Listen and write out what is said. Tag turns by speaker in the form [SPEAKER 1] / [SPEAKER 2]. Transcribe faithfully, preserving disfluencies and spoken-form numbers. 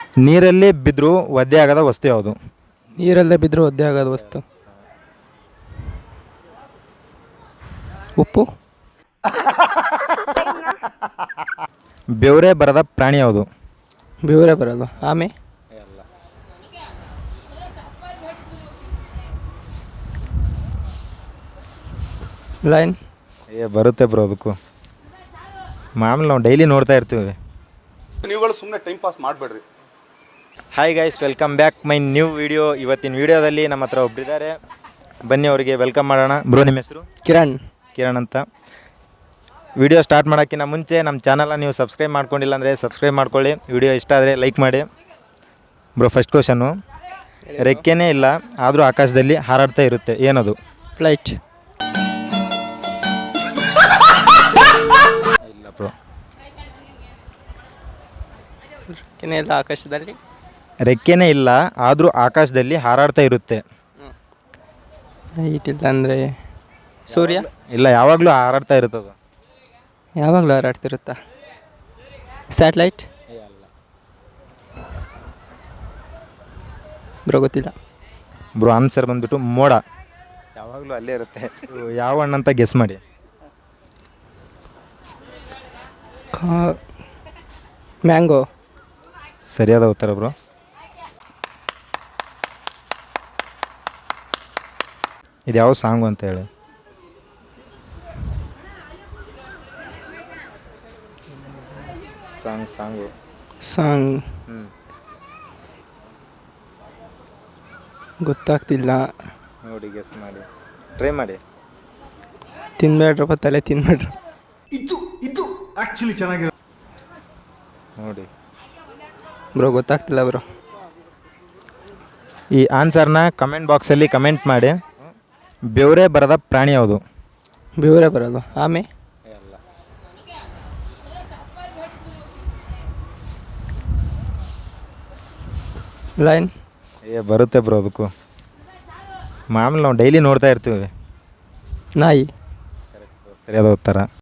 [SPEAKER 1] ನೀರಲ್ಲಿ ಬಿದ್ದರೂ ಒದ್ದೆ ಆಗದ ವಸ್ತು ಯಾವುದು?
[SPEAKER 2] ನೀರಲ್ಲದೆ ಬಿದ್ದರೂ ಒದ್ದೆ ಆಗೋದ ವಸ್ತು ಉಪ್ಪು.
[SPEAKER 1] ಬೆವರೇ ಬರದ ಪ್ರಾಣಿ ಯಾವುದು?
[SPEAKER 2] ಬೆವರೇ ಬರೋದು ಆಮೆ. ಲೈನ್.
[SPEAKER 1] ಏ ಬರುತ್ತೆ ಬ್ರೋ, ಅದಕ್ಕೂ ಮಾಮೂಲಿ ನಾವು ಡೈಲಿ ನೋಡ್ತಾ ಇರ್ತೀವಿ.
[SPEAKER 3] ನೀವುಗಳು ಸುಮ್ಮನೆ ಟೈಮ್ ಪಾಸ್ ಮಾಡಬೇಡ್ರಿ.
[SPEAKER 1] Hi guys, welcome back my new video. ಇವತ್ತಿನ ವಿಡಿಯೋದಲ್ಲಿ ನಮ್ಮ ಹತ್ರ ಒಬ್ಬರಿದ್ದಾರೆ, ಬನ್ನಿ ಅವರಿಗೆ ವೆಲ್ಕಮ್ ಮಾಡೋಣ. ಬ್ರೋ ನಿಮ್ಮ ಹೆಸರು?
[SPEAKER 2] ಕಿರಣ್.
[SPEAKER 1] ಕಿರಣ್ ಅಂತ. ವಿಡಿಯೋ ಸ್ಟಾರ್ಟ್ ಮಾಡೋಕ್ಕಿಂತ ಮುಂಚೆ ನಮ್ಮ ಚಾನಲ್ನ ನೀವು ಸಬ್ಸ್ಕ್ರೈಬ್ ಮಾಡ್ಕೊಂಡಿಲ್ಲ ಅಂದರೆ ಸಬ್ಸ್ಕ್ರೈಬ್ ಮಾಡ್ಕೊಳ್ಳಿ. ವಿಡಿಯೋ ಇಷ್ಟ ಆದರೆ ಲೈಕ್ ಮಾಡಿ. ಬ್ರೋ ಫಸ್ಟ್ ಕ್ವಶನ್ನು, ರೆಕ್ಕೆನೇ ಇಲ್ಲ ಆದರೂ ಆಕಾಶದಲ್ಲಿ ಹಾರಾಡ್ತಾ ಇರುತ್ತೆ, ಏನದು?
[SPEAKER 2] ಫ್ಲೈಟ್.
[SPEAKER 1] ಇಲ್ಲ ಬ್ರೋ.
[SPEAKER 2] ರೆಕ್ಕೆನೇ ಇಲ್ಲ ಆಕಾಶದಲ್ಲಿ.
[SPEAKER 1] ರೆಕ್ಕೆನೇ ಇಲ್ಲ ಆದರೂ ಆಕಾಶದಲ್ಲಿ ಹಾರಾಡ್ತಾ ಇರುತ್ತೆ.
[SPEAKER 2] ಲೈಟ್ ಇಲ್ಲ ಅಂದರೆ ಸೂರ್ಯ.
[SPEAKER 1] ಇಲ್ಲ, ಯಾವಾಗಲೂ ಹಾರಾಡ್ತಾ ಇರುತ್ತದು.
[SPEAKER 2] ಯಾವಾಗಲೂ ಹಾರಾಡ್ತಿರುತ್ತಾ? ಸ್ಯಾಟ್ಲೈಟ್. ಬ್ರೋ ಗೊತ್ತಿಲ್ಲ.
[SPEAKER 1] ಬ್ರೋ ಆನ್ಸರ್ ಬಂದ್ಬಿಟ್ಟು ಮೋಡ. ಯಾವಾಗಲೂ ಅಲ್ಲೇ ಇರುತ್ತೆ. ಯಾವ ಹಣ್ಣಂತ ಗೆಸ್ ಮಾಡಿ.
[SPEAKER 2] ಕಾ ಮ್ಯಾಂಗೋ.
[SPEAKER 1] ಸರಿಯಾದ ಉತ್ತರ ಬ್ರೋ. ಇದು ಯಾವ ಸಾಂಗು ಅಂತ ಹೇಳಿ. ಸಾಂಗ್ ಸಾಂಗು
[SPEAKER 2] ಸಾಂಗ್
[SPEAKER 1] ಹ್ಞೂ
[SPEAKER 2] ಗೊತ್ತಾಗ್ತಿಲ್ಲ.
[SPEAKER 1] ನೋಡಿ ಗೆಸ್ ಮಾಡಿ, ಟ್ರೈ ಮಾಡಿ.
[SPEAKER 2] ತಿನ್ಬೇಡ್ರಪ್ಪ, ತಲೆ ತಿನ್ಬೇಡ್ರಿ.
[SPEAKER 3] ಇದು ಇದು ಆಕ್ಚುಲಿ ಚೆನ್ನಾಗಿರೋ
[SPEAKER 1] ನೋಡಿ
[SPEAKER 2] ಬ್ರೋ ಗೊತ್ತಾಗ್ತಿಲ್ಲ ಬ್ರೋ.
[SPEAKER 1] ಈ ಆನ್ಸರ್ನ ಕಮೆಂಟ್ ಬಾಕ್ಸಲ್ಲಿ ಕಮೆಂಟ್ ಮಾಡಿ. ಬೆವರೇ ಬರದ ಪ್ರಾಣಿ ಯಾವುದು?
[SPEAKER 2] ಬೆವರೇ ಬರೋದು ಆಮೆ. ಲೈನ್.
[SPEAKER 1] ಏ ಬರುತ್ತೆ ಬ್ರೋ, ಅದಕ್ಕೂ ಮಾಮೂಲಿ ನಾವು ಡೈಲಿ ನೋಡ್ತಾ ಇರ್ತೀವಿ.
[SPEAKER 2] ನಾಯಿ.
[SPEAKER 1] ಸರಿಯಾದ ಉತ್ತರ.